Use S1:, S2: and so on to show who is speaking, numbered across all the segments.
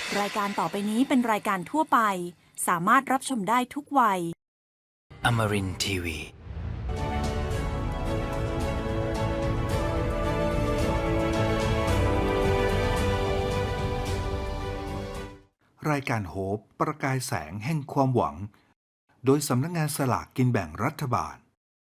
S1: รายการต่อไปนี้เป็นรายการทั่วไปสามารถรับชมได้ทุกวัย
S2: Amarin Tiwi.
S3: รายการโฮปประกายแสงแห่งความหวังโดยสำนักงานสลากกินแบ่งรัฐบาล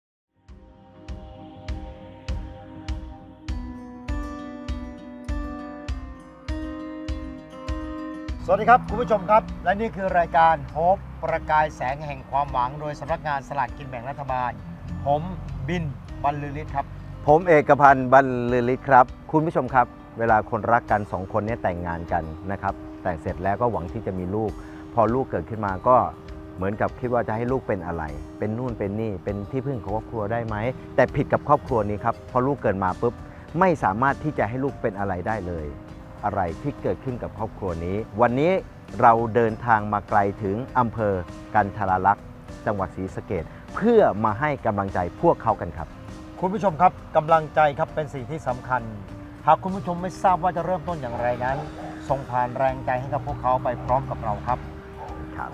S4: สวัสดีครับคุณผู้ชมครับและนี่คือรายการโฮปประกายแสงแห่งความหวังโดยสำนักงานสลากกินแบ่งรัฐบาลผมบินบรรลือฤทธิ์ครับ
S5: ผมเอกพันธ์บรรลือฤทธิ์ครับคุณผู้ชมครับเวลาคนรักกันสองคนนี้แต่งงานกันนะครับแต่งเสร็จแล้วก็หวังที่จะมีลูกพอลูกเกิดขึ้นมาก็เหมือนกับคิดว่าจะให้ลูกเป็นอะไรเป็นนู่นเป็นนี่เป็นที่พึ่งของครอบครัวได้ไหมแต่ผิดกับครอบครัวนี้ครับพอลูกเกิดมาปุ๊บไม่สามารถที่จะให้ลูกเป็นอะไรได้เลยอะไรที่เกิดขึ้นกับครอบครัวนี้วันนี้เราเดินทางมาไกลถึงอำเภอกันทราลักษณ์จังหวัดศรีสะเกษเพื่อมาให้กำลังใจพวกเขากันครับ
S4: คุณผู้ชมครับกำลังใจครับเป็นสิ่งที่สำคัญหากคุณผู้ชมไม่ทราบว่าจะเริ่มต้นอย่างไรนั้นส่งผ่านแรงใจให้กับพวกเขาไปพร้อมกับเราครับ
S5: ครับ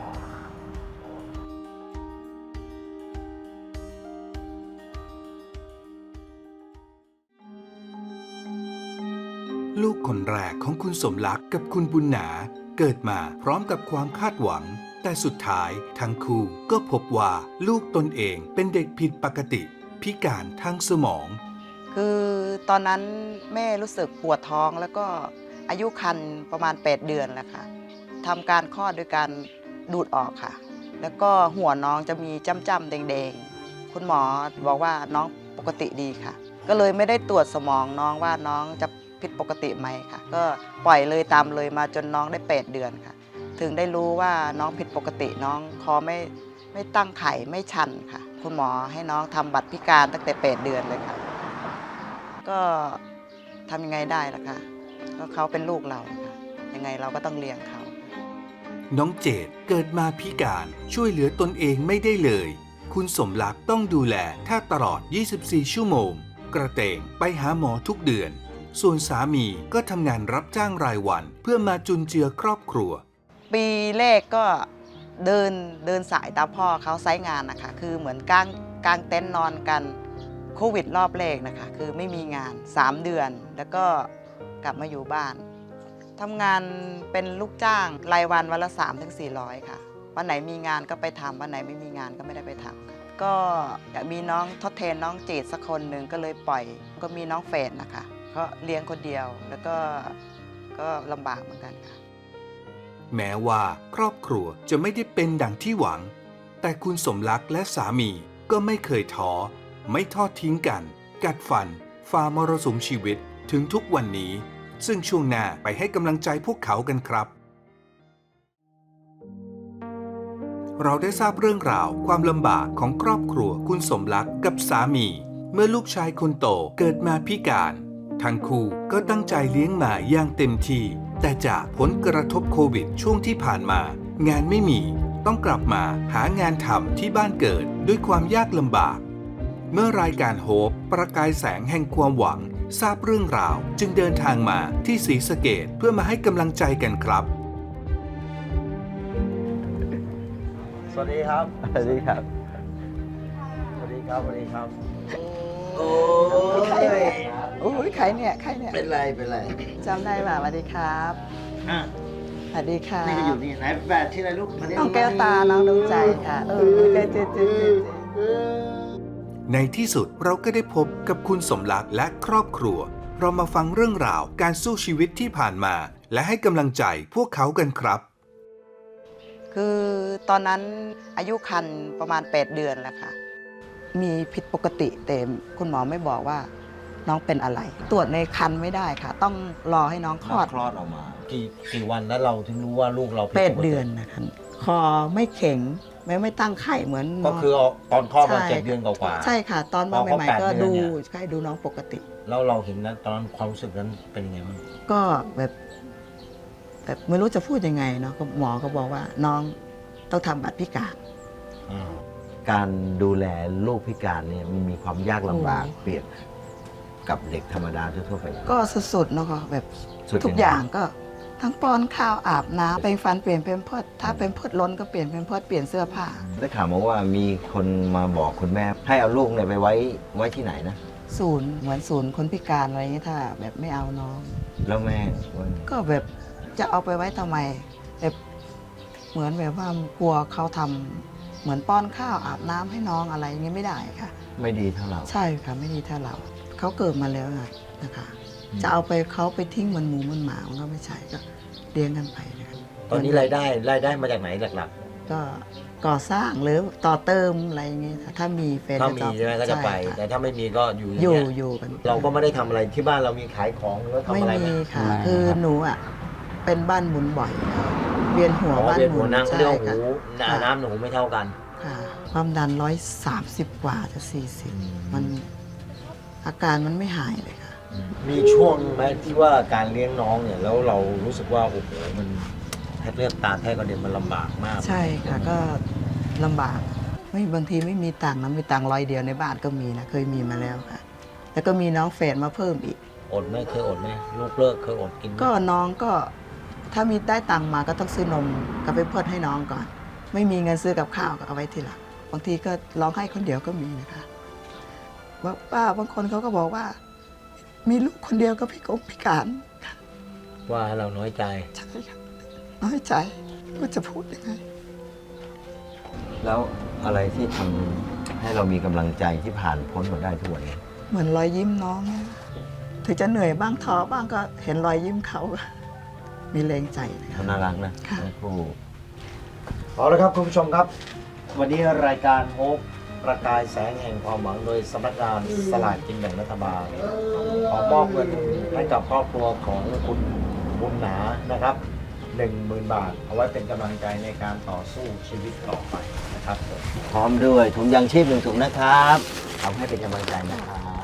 S3: ลูกคนแรกของคุณสมรักกับคุณบุญหนาเกิดมาพร้อมกับความคาดหวังแต่สุดท้ายทั้งคู่ก็พบว่าลูกตนเองเป็นเด็กผิดปกติพิการทางสมอง
S6: คือตอนนั้นแม่รู้สึกปวดท้องแล้วก็อายุครรภ์ประมาณ8 เดือนแล้วค่ะทำการคลอดโดยการดูดออกค่ะแล้วก็หัวน้องจะมีจ้ำๆแดงๆคุณหมอบอกว่าน้องปกติดีค่ะก็เลยไม่ได้ตรวจสมองน้องว่าน้องจะผิดปกติไหมค่ะก็ปล่อยเลยตามเลยมาจนน้องได้8 เดือนค่ะถึงได้รู้ว่าน้องผิดปกติน้องคอไม่ตั้งไข่ไม่ชันค่ะคุณหมอให้น้องทำบัตรพิการตั้งแต่8 เดือนเลยค่ะก็ทำยังไงได้ล่ะคะก็เขาเป็นลูกเราค่ะยังไงเราก็ต้องเลี้ยงเขา
S3: น้องเจดเกิดมาพิการช่วยเหลือตนเองไม่ได้เลยคุณสมรักต้องดูแลแทบตลอด24 ชั่วโมงกระเตงไปหาหมอทุกเดือนส่วนสามีก็ทำงานรับจ้างรายวันเพื่อมาจุนเจือครอบครัว
S6: ปีแรกก็เดินสายตามพ่อเขาไซต์งานนะคะคือเหมือนกางเต็นท์นอนกันโควิดรอบแรกนะคะคือไม่มีงาน3 เดือนแล้วก็กลับมาอยู่บ้านทำงานเป็นลูกจ้างรายวันวันละ300-400ค่ะวันไหนมีงานก็ไปทำวันไหนไม่มีงานก็ไม่ได้ไปทำค่ะก็อยากมีน้องทดแทนน้องเจดสักคนหนึ่งก็เลยปล่อยก็มีน้องเฟรนนะคะก็เลี้ยงคนเดียวแล้วก็ลำบากเหมือนกันค่ะ
S3: แม้ว่าครอบครัวจะไม่ได้เป็นดังที่หวังแต่คุณสมรักและสามีก็ไม่เคยท้อไม่ทอดทิ้งกันกัดฟันฝ่ามรสุมชีวิตถึงทุกวันนี้ซึ่งช่วงหน้าไปให้กำลังใจพวกเขากันครับเราได้ทราบเรื่องราวความลำบากของครอบครัวคุณสมรักกับสามีเมื่อลูกชายคนโตเกิดมาพิการทั้งคู่ก็ตั้งใจเลี้ยงมาอย่างเต็มที่แต่จากผลกระทบโควิดช่วงที่ผ่านมางานไม่มีต้องกลับมาหางานทำที่บ้านเกิดด้วยความยากลำบากเมื่อรายการโฮปประกายแสงแห่งความหวังทราบเรื่องราวจึงเดินทางมาที่ศรีสะเกษเพื่อมาให้กำลังใจกันครับ
S4: สวัสดีครับ
S5: สวัสดีครับ
S4: สวัสดีครับสวัสดีครับ
S6: โอ้ยใครเนี่ย
S4: เป็นไร
S6: จำได้ป่ะสวัสดีครับสวัสดีค่ะ
S4: นี่ก็อยู่นี่ไหนแฟนที่อะไรลูก
S6: น้องแก้วตาน้องดวงใจค่ะเจ๊
S3: ในที่สุดเราก็ได้พบกับคุณสมรักและครอบครัวเรามาฟังเรื่องราวการสู้ชีวิตที่ผ่านมาและให้กำลังใจพวกเขากันครับ
S6: คือตอนนั้นอายุครรภ์ประมาณ8 เดือนแล้วค่ะมีผิดปกติแต่คุณหมอไม่บอกว่าน้องเป็นอะไรตรวจในครรภ์ไม่ได้ค่ะต้องรอให้น้องคลอด
S4: ออกมากี่วันแล้วเราถึงรู้ว่าลูกเรา
S6: 8 เดือนนะคะคอไม่แข็งไม่ตั้งไข่เหมือน
S4: ก็คือตอนคลอดมา7 เดือนกว่า
S6: ใช่ค่ะตอนมาใหม่ๆก็ดูน้องปกติ
S4: แล้วเราเห็นนั้นตอนนั้นความรู้สึกนั้นเป็นยังไงบ้าง
S6: ก็แบบไม่รู้จะพูดยังไงเนาะหมอก็บอกว่าน้องต้องทำบัตรพิการ
S5: การดูแลลูกพิการเนี่ยมันมีความยากลำบากเปรียบกับเด็กธรรมดาทั่วไป
S6: ก็สุดๆเนาะแบบทุกอย่างก็ททั้งป้อนข้าวอาบน้ำแปรงฟันเปลี่ยนเป็นเพิดถ้าเป็นเพิดล้นก็เปลี่ยนเป็นเพิดเปลี่ยนเสื้อผ้า
S5: ได้ข่าวมาว่ามีคนมาบอกคุณแม่ ให้เอาลูกเนี่ยไปไว้ที่ไหนนะ
S6: ศูนย์เหมือนศูนย์คนพิการอะไรอย่างนี้ถ้าแบบไม่เอาน้อง
S5: แล้วแม่ว่า
S6: ก็แบบจะเอาไปไว้ทำไมแบบเหมือนแบบว่ากลัวเขาทำเหมือนป้อนข้าวอาบน้ำให้น้องอะไรอย่างนี้ไม่ได้ค่ะ
S5: ไม่ดีเท่าเรา
S6: ใช่ค่ะไม่ดีเท่าเราเขาเกิดมาแล้วนะคะ จะเอาไปเขาไปทิ้งเหมันหมูเหมันหมามันก็ไม่ใช่ก็เลี้ยงกันไปนะคะ
S4: ตอนนี้รายได้มาจากไหนหลัก
S6: ก็ก่อสร้างหรือต่อเติมอะไรอย่างเงี้ยค่ะถ้ามีแฟน
S4: ๆถ้ามีใช่ไหมก็จะไป
S6: ค่
S4: แต่ถ้าไม่มีก็อยู่
S6: อยู่
S4: างเงี้
S6: อยู่กัน
S4: เราก็ไม่ได้ทำอะไรที่บ้านเรามีขายของหรือว่าทำ
S6: ไม่
S4: อะไรไหม
S6: มีค่ะ คือหนูอ่ะเป็นบ้านหมุนบ่อยค่ะเวียนหัว
S4: อ๋อ
S6: บ้าน
S4: เวียน
S6: หมุ
S4: หัวน นั่งเขา
S6: ใช่
S4: เรียกว่า
S6: ค่ะ
S4: หูน้ำหนูไม่เท่ากัน
S6: ค่ะความดัน130 กว่าจะ40มันอาการมันไม่หายเลยค่ะ
S4: มีช่วงไหมที่ว่าการเลี้ยงน้องเนี่ยแล้วเรารู้สึกว่าโอ้โหมันแทบเลือดตาแทบกระเด็นมันลำบากมาก
S6: ใช่ค่ะก็ลำบากไม่บางทีไม่มีตังค์นะมีตังค์100 เดียวในบ้านก็มีนะเคยมีมาแล้วค่ะ แล้วก็มีน้องแฝดมาเพิ่มอีก
S4: อดไหมเคยอดไหมลูกเลิกเคยอดกินไหม
S6: ก็น้องก็ถ้ามีได้ตังค์มาก็ต้องซื้อนมกับไปเพิดให้น้องก่อน ไม่มีเงินซื้อกับข้าวก็เอาไว้ทีหลังบางทีก็ร้องให้คนเดียวก็มีนะคะว่าป้าบางคนเขาก็บอกว่า มีลูกคนเดียวก็พิการ
S4: ว่าให้เราน้อยใจ
S6: ใช่ค่ะน้อยใจว่าจะพูดยังไง
S5: แล้วอะไรที่ทำให้เรามีกำลังใจที่ผ่านพ้นมาได้ทุกวันนี้
S6: เหมือนรอยยิ้มน้องเนี่ยถึงจะเหนื่อยบ้างท้อบ้างก็เห็นรอยยิ้มเขา มีแรงใจนะคะ
S5: เขาน่ารักนะ
S6: ค่ะ
S5: ทั้งคู่
S4: เอาละครับคุณผู้ชมครับ วันนี้รายการโฮปประกายแสงแห่งความหวังโดยสำนักงานสลากกินแบ่งรัฐบาลขอมอบเงินให้กับครอบครัวของคุณบุญหนานะครับ 10,000 บาท เอาไว้เป็นกำลังใจในการต่อสู้ชีวิตต่อไปนะครับผม
S5: พร้อมด้วยถุงยางชีพ1 ถุงนะครับเอาให้เป็นกำลังใจนะครับ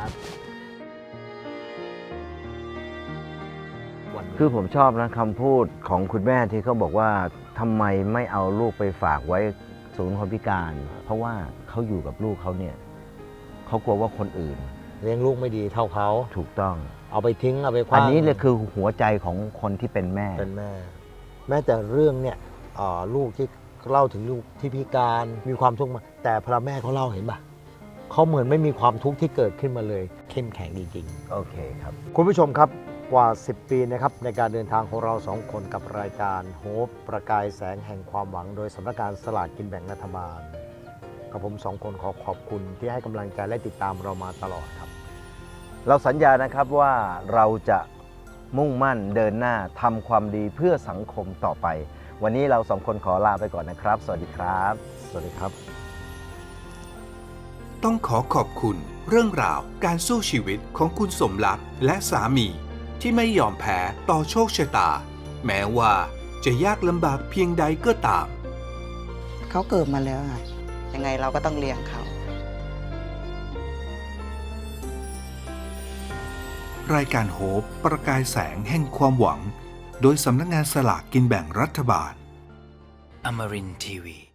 S5: คือผมชอบนะคำพูดของคุณแม่ที่เขาบอกว่าทำไมไม่เอาลูกไปฝากไว้ศูนย์คนพิการ เพราะว่าเขาอยู่กับลูกเขาเนี่ยเขากลัวว่าคนอื่น
S4: เลี้ยงลูกไม่ดีเท่าเขา
S5: ถูกต้อง
S4: เอาไปทิ้งเอาไปคว้า
S5: อันนี้เลยคือหัวใจของคนที่เป็นแม่
S4: เป็นแม่ แม้แต่เรื่องเนี่ยลูกที่เล่าถึงลูกที่พิการมีความทุกข์มาแต่พระแม่เขาเล่าเห็นปะเขาเหมือนไม่มีความทุกข์ที่เกิดขึ้นมาเลยเข้มแข็งจริงๆ
S5: โอเคครับ
S4: คุณผู้ชมครับกว่า 10 ปีนะครับในการเดินทางของเรา2 คนกับรายการโฮปประกายแสงแห่งความหวังโดยสำนักงานสลากกินแบ่งรัฐบาลกับผม2 คนขอขอบคุณที่ให้กำลังใจและติดตามเรามาตลอดครับ
S5: เราสัญญานะครับว่าเราจะมุ่งมั่นเดินหน้าทำความดีเพื่อสังคมต่อไป วันนี้เรา2 คนขอลาไปก่อนนะครับ สวัสดีครับ
S4: สวัสดีครับ
S3: ต้องขอขอบคุณเรื่องราวการสู้ชีวิตของคุณสมรักและสามีที่ไม่ยอมแพ้ต่อโชคชะตา แม้ว่าจะยากลำบากเพียงใดก็ตาม
S6: เขาเกิดมาแล้วค่ะยังไงเราก็ต้องเลี้ยงเขา
S3: รายการโฮปประกายแสงแห่งความหวัง โดยสำนักงานสลากกินแบ่งรัฐบาล
S2: Amarin Tiwi.